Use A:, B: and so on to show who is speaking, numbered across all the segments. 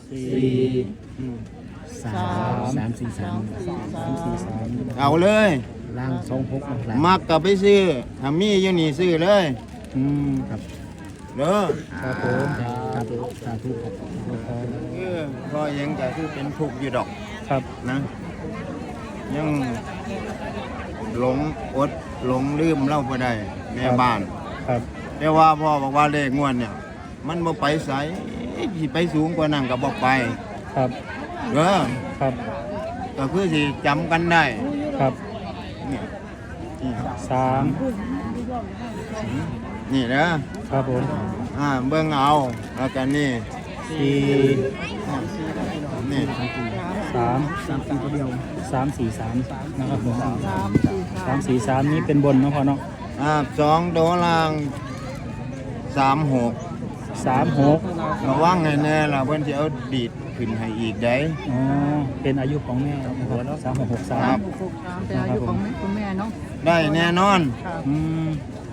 A: สี่สามสี่สาม
B: เอาเลย
A: ล่าง26ล่าง
B: มักกับไปซื้อถ้ามีอยู่นี่ซื้อเลย
A: ครับ
B: เด้อ
A: ครับผมครับสาธุครับ
B: พอยังก็คือเป็นทุกข์อยู่ดอก
A: ครับ
B: นะ ยังหลงอดหลงลืมเล่าบ่ได้แม่บ้าน
A: ครับ
B: แต่ว่าพ่อบอกว่าเลขงวดเนี่ย มันบ่ไปไสสิไปสูงกว่านั้นก็บ่ไป
A: ครับ
B: เด้อ
A: ครับ
B: ก็คือสิจำกันได้
A: ครับ
B: นี่นี่
A: สาม
B: นี่เด้อ
A: ครับผม
B: เบิ่งเอาแล้วกันนี่
A: สี่
B: นี่
A: สามสี่สามนะครับผม343นี้เป็นบนเนาะพ่อเนาะ
B: 2โดลาง36
A: 36
B: ระวังให้แน่ล่ะเพิ่นสิเอาดีดขึ้นให้อีกได้
A: อ๋อเป็นอายุของแม่นะครับ3663
C: เป็นอายุของคุณแม่เนาะ
B: ได้แน่นอน
A: อืม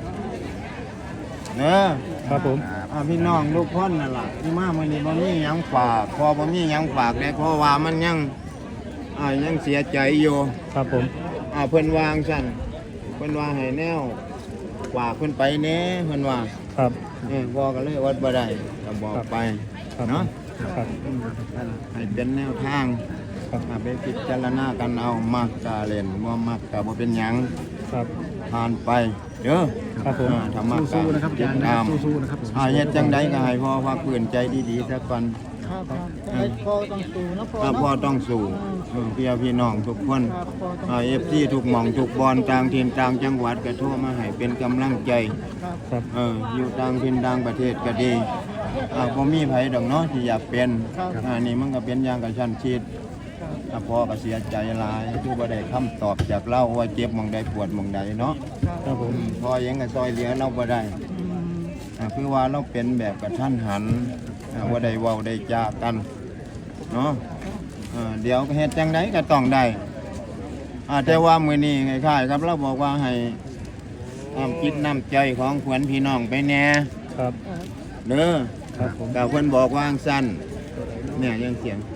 B: เด้อ
A: ครับผม
B: พี่น้องลูกพ่นนั่นล่ะที่มามื้อนี้บ่มีหยังฝากพอบ่มีหยังฝากเลยเพราะว่ามันยังเสียใจอยู่
A: ครับผม
B: เพิ่นวางซั่นเพิ่นว่าให้แนวฝากเพิ่นไปแหน่เพิ่นว่า
A: ครับ
B: พ่อก็เลยอดบ่ได้ก็บอกไป
A: ครับ
B: เนาะ
A: ครับ
B: ให้เป็นแนวทาง
A: ครับ
B: ไปพิจารณากันเอามักกะเล่นบ่มักกะบ่เป็นหยัง
A: ครับ
B: ผ่านไปเด้อ
A: ครับผม
B: ธรรมะสู้นะครับอาจารย์สู้ๆนะครับเฮ็ดจังไดก็ให้พ่อพักพื้นใจดีๆซะก่อน
C: ครับพ่อต้องสู้นะพ่อ
B: ถ้า
C: เนาะ
B: พ่อต้องสู้พี่น้องทุกคน
C: ครับพ่อต้อง
B: FC ทุกหม่องทุกบอนต่างถิ่นต่างจังหวัดก็โทรมาให้เป็นกำลังใจ
C: ครับ
A: ครับ
B: อยู่ต่างถิ่นต่างประเทศก็ดีบ่มีไผดอกเนาะที่อยากเป็นนี่มันก็เป็นอย่างกับชั้นชีดพ่อก็เสียใจหลายคือบ่ได้คำตอบจากเราว่าเจ็บหม่องใดปวดหม่องใดเนาะ
A: ครับผม
B: พ่อยังก็ซอยเหลือเราบ่ได้คือว่าเราเป็นแบบกระทันหันว่าได้เว้าได้จากันเนาะเดี๋ยวเฮ็ดจังไดก็ต้องได้แต่ว่ามื้อนี้คล้ายๆครับเราบอกว่าให้คิดน้ำใจของขวัญพี่น้องไปแหน่
A: ครับ
B: เด้อ
A: ครับผม
B: ก็เพิ่นบอกว่าจั่งซั่นเนี่ยยังเสียง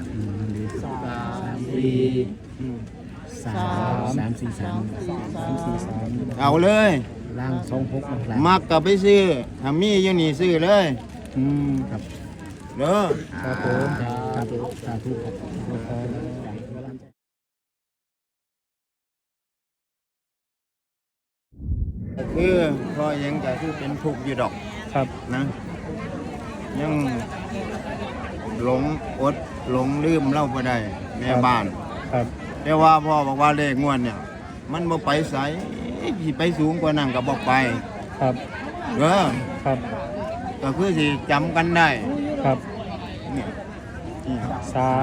A: สี่สาม
B: เอาเลย
A: ล่าง26ล่าง
B: มักก็ไปซื้อถ้ามีอยู่นี่ซื้อเลย
A: ครับ
B: เด้อ
A: ครับผมครับสาธุครับ
B: คือพ่อยังก็คือเป็นทุกข์อยู่ดอก
A: ครับ
B: นะ ยังหลงอดหลงลืมเล่าบ่ได้แม่บ้าน
A: ครับ
B: แต่ว่าพ่อบอกว่าเลขงวดเนี่ย มันบ่ไปไสสิไปสูงกว่านั้นก็บ่ไป
A: ครับ
B: เด้อ
A: ครับ
B: ก็คือสิจำกันได้
A: ครับ
B: นี่นี่
A: สาม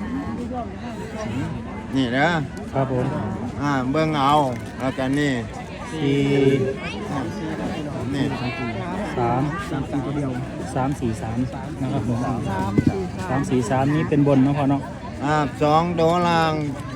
B: นี่เด้อ
A: ครับผม
B: เบิ่งเอาแล้วกันนี่
A: สี่
B: นี่
A: สาม343นะครับผม 343นี้เป็นบนเนาะพ่อเนาะ
B: 2โดลาง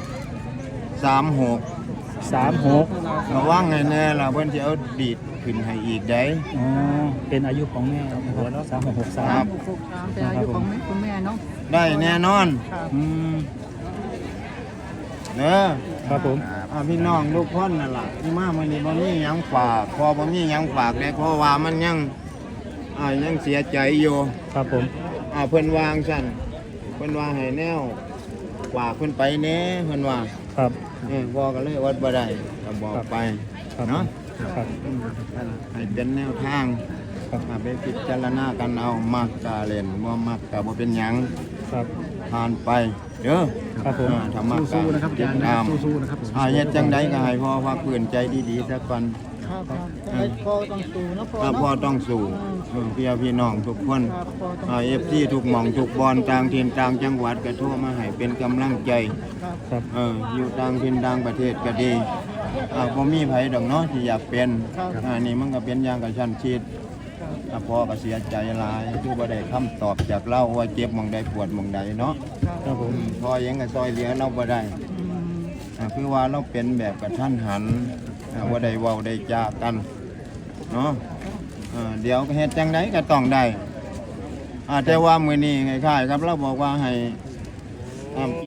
B: 36
A: 36
B: ระวังให้แน่ล่ะเพิ่นสิเอาดีดขึ้นให้อีกได้
A: อ๋อเป็นอายุของแม่นะครับ
B: ครั
A: 3663
B: บ
C: เป็นอายุของคุณแม่เนาะ
B: ได้แน่นอน
C: ครับ
A: อืม
B: เด้อ
A: ครับผม
B: พี่น้องทุกคนนั่นล่ะที่มามื้อนี้บ่มีหยังฝากพอบ่มีหยังฝากเลยเพราะว่ามันยังเสียใจอยู่
A: ครับผม
B: เพิ่นวางซั่นเพิ่นว่าให้แนวฝากเพิ่นไปแหน่เพิ่นว่า
A: ครับ
B: พ่อก็เลยอดบ่ได้ก็บอกไป
A: ครับ
B: เนาะ
A: ครับ
B: ให้เป็นแนวทาง
A: ครับ
B: ไปพิจารณากันเอามักกะเล่นบ่มักกะบ่เป็นหยัง
A: ครับ
B: ผ่านไปเด้อ
A: ครับผม
B: ธรรมะสู้นะครับอาจารย์สู้ๆนะครับเฮ็ดจังไดก็ให้พ่อพักพื้นใจดีๆซะก่อน
C: ครับพ่อต้องสู้นะพ่อ
B: ถ้า
C: เนาะ
B: พ่อต้องสู้พี่น้องทุกคน
C: ครับพ่อต้อง
B: FC ทุกหม่องทุกบอนต่างถิ่นต่างจังหวัดก็โทรมาให้เป็นกำลังใจ
C: ครับ
A: ครับ
B: อยู่ต่างถิ่นต่างประเทศก็ดีบ่มีไผดอกเนาะที่อยากเป็นนี่มันก็เป็นอย่างกับชั้นชีดพ่อก็เสียใจหลายคือบ่ได้คำตอบจากเราว่าเจ็บหม่องใดปวดหม่องใดเนาะ
A: ครับผม
B: พ่อยังก็ซอยเหลือเราบ่ได้คือว่าเราเป็นแบบกระทันหันว่าได้เว้าได้จากันเนาะเดี๋ยวเฮ็ดจังไดก็ต้องได้แต่ว่ามื้อนี้คล้ายๆครับเราบอกว่าให้